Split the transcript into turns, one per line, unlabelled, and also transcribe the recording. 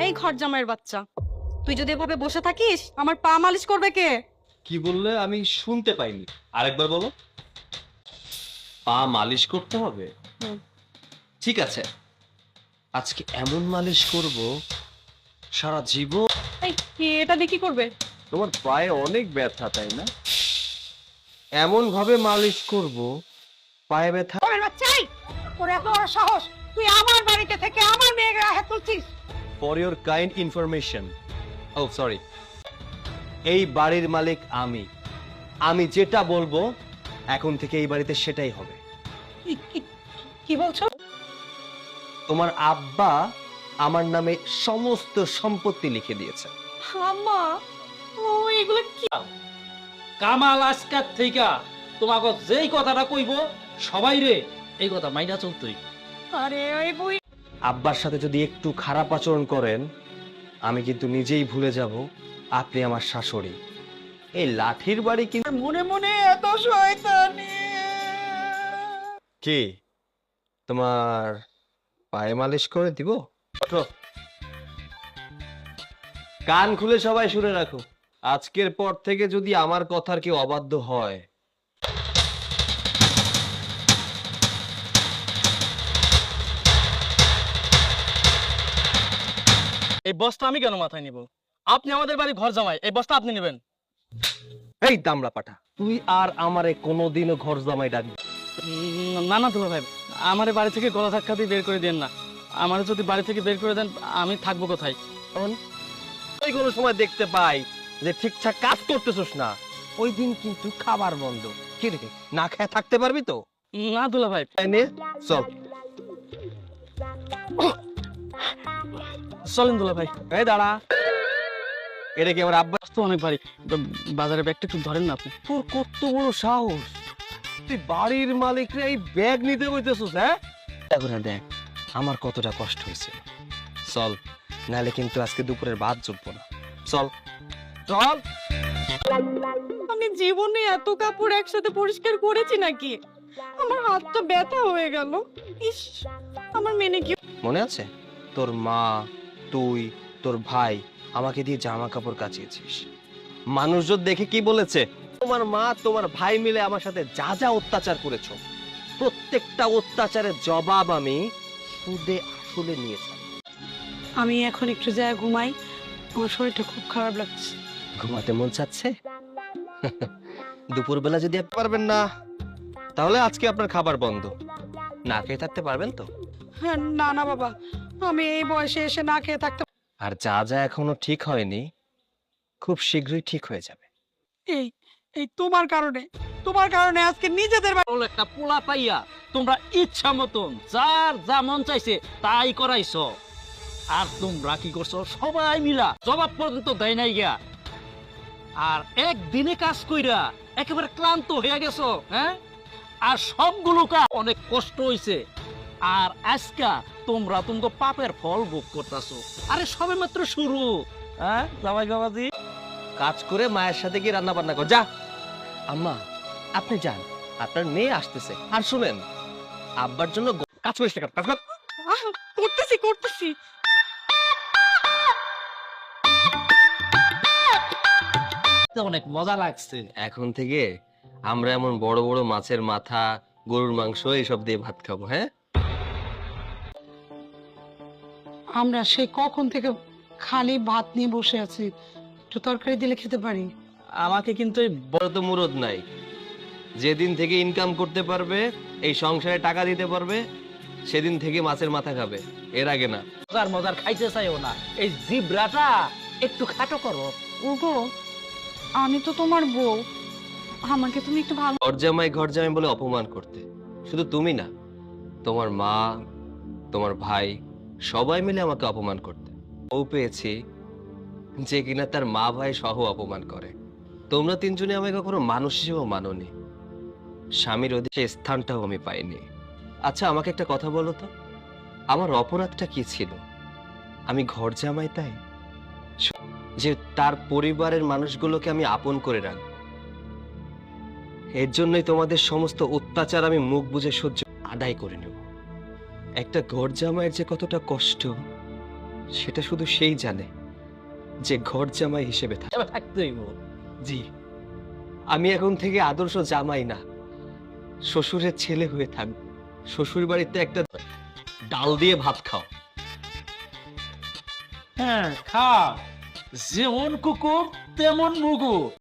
এই ঘর জামাইয়ের বাচ্চা, তুই যদি এভাবে বসে থাকিস আমার পা মালিশ করবে কে?
কি বললে আমি শুনতে পাইনি, আরেকবার বলো। পা মালিশ করতে হবে?
হুম।
ঠিক আছে, আজকে এমন মালিশ করব সারা জীবন।
এই এটা দিয়ে কি করবে?
তোমার পায়ে অনেক ব্যথা তাই না? এমন ভাবে মালিশ করব পায়ে ব্যথা।
ঘরের বাচ্চাই, তোর এত বড় সাহস, তুই আমার বাড়িতে থেকে আমার মেয়ের গায়ে হাত তুলছিস?
ফর ইওর কাইন্ড ইনফরমেশন, ও সরি, এই বাড়ির মালিক আমি। আমি যেটা বলবো এখন থেকে এই বাড়িতে সেটাই হবে।
কি বলছো?
তোমার আব্বা আমার নামে সমস্ত সম্পত্তি লিখে দিয়েছে।
আম্মা, ও এগুলো কি?
কামাল আজকার থেকে তোমাকে যেই কথাটা কইব সবাই রে এই কথা মাইনা চলতই।
আরে ওই বুই,
আব্বার সাথে যদি একটু খারাপ আচরণ করেন আমি কিন্তু নিজেই ভুলে যাব আপনি আমার শাশুড়ি। এই লাঠির বাড়ি কিন্তু
মনে মনে এত শয়তানি।
কি তোমার পায়ে মালিশ করে দিব? ওঠো, কান খুলে সবাই শুনে রাখো, আজকের পর থেকে যদি আমার কথার কেউ অবাধ্য হয়
এই বস্তা আমি কেন মাথায় নিব? আপনি আমাদের বাড়ি ঘর জামাই, এই বস্তা আপনি নেবেন।
এই দামড়া পাঠা, তুই আর আমারে কোনোদিনও ঘর জামাই ডাকবি?
না না দুলা ভাই, আমারে বাড়ি থেকে গলা ধাক্কা দিয়ে বের করে দেন না। আমারে যদি বাড়ি থেকে বের করে দেন আমি থাকবো কোথায়?
ওই কোনো সময় দেখতে পাই যে ঠিকঠাক কাজ করতেছস না, ওই দিন কিন্তু খাবার বন্ধ। কি রে, না খেয়ে থাকতে পারবি তো?
না দুলা ভাই,
তাই নে, চল।
চলেন দুলা ভাই।
এই দাঁড়া, এটা কি আমার আব্বা?
তো অনেক ভারী, বাজারে ব্যাগটা একটু ধরেন না আপনি।
তোর কত বড় সাহস, তুই বাড়ির মালিকরে এই ব্যাগ নিতে বলতেছস? হ্যাঁ, এখন দেখ আমার কতটা কষ্ট হয়েছে। চল, নাহলে কিন্তু আজকে দুপুরের ভাত জুটবো না। চল চল।
আমি জীবনে এত কাপড় একসাথে পরিষ্কার করেছি নাকি? আমার হাতটা ব্যথা হয়ে গেল। ইস, আমার মেনে কি?
মনে আছে তোর মা, তুই, তোর ভাই আমাকে দিয়ে জামা কাপড় কাচিয়েছিস? মানুষজন দেখে কি বলেছে? তোমার মা তোমার ভাই মিলে আমার সাথে যা যা অত্যাচার করেছো, প্রত্যেকটা অত্যাচারের জবাব আমি সুদে আসলে নিয়েছি।
আমি এখন একটু যায় ঘুমাই, আমার শরীরটা খুব খারাপ লাগছে।
ঘুমাতে মন চাচ্ছে? দুপুরবেলা যদি আপনি পারবেন না তাহলে আজকে আপনার খাবার বন্ধ। না খেয়ে থাকতে পারবেন তো?
হ্যাঁ, না না বাবা, আমি এই বয়সে এসে না খেয়ে থাকতে।
আর যা যা এখনো ঠিক হয়নি খুব শীঘ্রই ঠিক হয়ে যাবে।
এই এই তোমার কারণে, তোমার কারণে আজকে নিজেদের
ওর একটা পোলা পাইয়া তোমরা ইচ্ছা মতন যার যা মন চাইছে তাই করাইছো। আর তোমরা কি করছো? সবাই মিলা জবাব পর্যন্ত দেয় নাই গিয়া। আর একদিনে কাজ কইরা একেবারে ক্লান্ত হয়ে গেছো। হ্যাঁ, আর সবগুলো কাজ অনেক কষ্ট হইছে। আর আজকা তোমরা তোমাকে পাপের ফল ভোগ করতেছো। আরে সবে মাত্র শুরু। হ্যাঁ জামাই বাবাজি,
কাজ করে মায়ের সাথে গিয়ে রান্না বান্না কর যা। আম্মা আপনি যান, আপনার মেয়ে আসতেছে। আর শুনেন, আব্বার জন্য কাজ করিস না, কাজ কর।
করতেছি করতেছি।
অনেক মজা লাগছে।
এখন থেকে আমরা এমন বড় বড় মাছের মাথা, গরুর মাংস এইসব দিয়ে ভাত খাবো। হ্যাঁ,
আমরা সেই কখন থেকে খালি ভাত নিয়ে বসে আছি, একটু তরকারি দিলে খেতে পারি।
আমাকে কিন্তু এই
বড় তো মুরদ নাই। যেদিন থেকে ইনকাম করতে পারবে, এই সংসারে টাকা দিতে পারবে, সেদিন থেকে মাছের মাথা খাবে, এর আগে না।
মজার মজার খাইতে চাইও না। এই জিব্রাটা একটু খাটো করো।
ওগো, আমি তো তোমার বউ, আমাকে তুমি একটু ভালো।
ঘর জামাই বলে অপমান করতে শুধু তুমি না, তোমার মা, তোমার ভাই সবাই মিলে আমাকে অপমান করতে। ও পেয়েছি যে কিনা তার মা ভাই সহ অপমান করে। তোমরা তিনজনে আমাকে কখনো মানুষ হিসেবে মানোনি, স্বামীর অধিকার স্থানটাও আমি পাইনি। আচ্ছা আমাকে একটা কথা বলো তো, আমার অপরাধটা কি ছিল? আমি ঘর জামাই তাই যে তার পরিবারের মানুষগুলোকে আমি আপন করে রাখবো? এর জন্যই তোমাদের সমস্ত অত্যাচার আমি মুখ বুজে সহ্য আদায় করে নেব। একটা ঘর জামাইয়ের যে কতটা কষ্ট সেটা শুধু সেই জানে যে ঘর জামাই হিসেবে থাকে।
এবার থাকতেই বল।
জি, আমি এখন থেকে আদর্শ জামাই না, শ্বশুরের ছেলে হয়ে থাকবো। শ্বশুর বাড়িতে একটা ডাল দিয়ে ভাত খাও।
হ্যাঁ খা, যেমন কুকুর তেমন মুগু।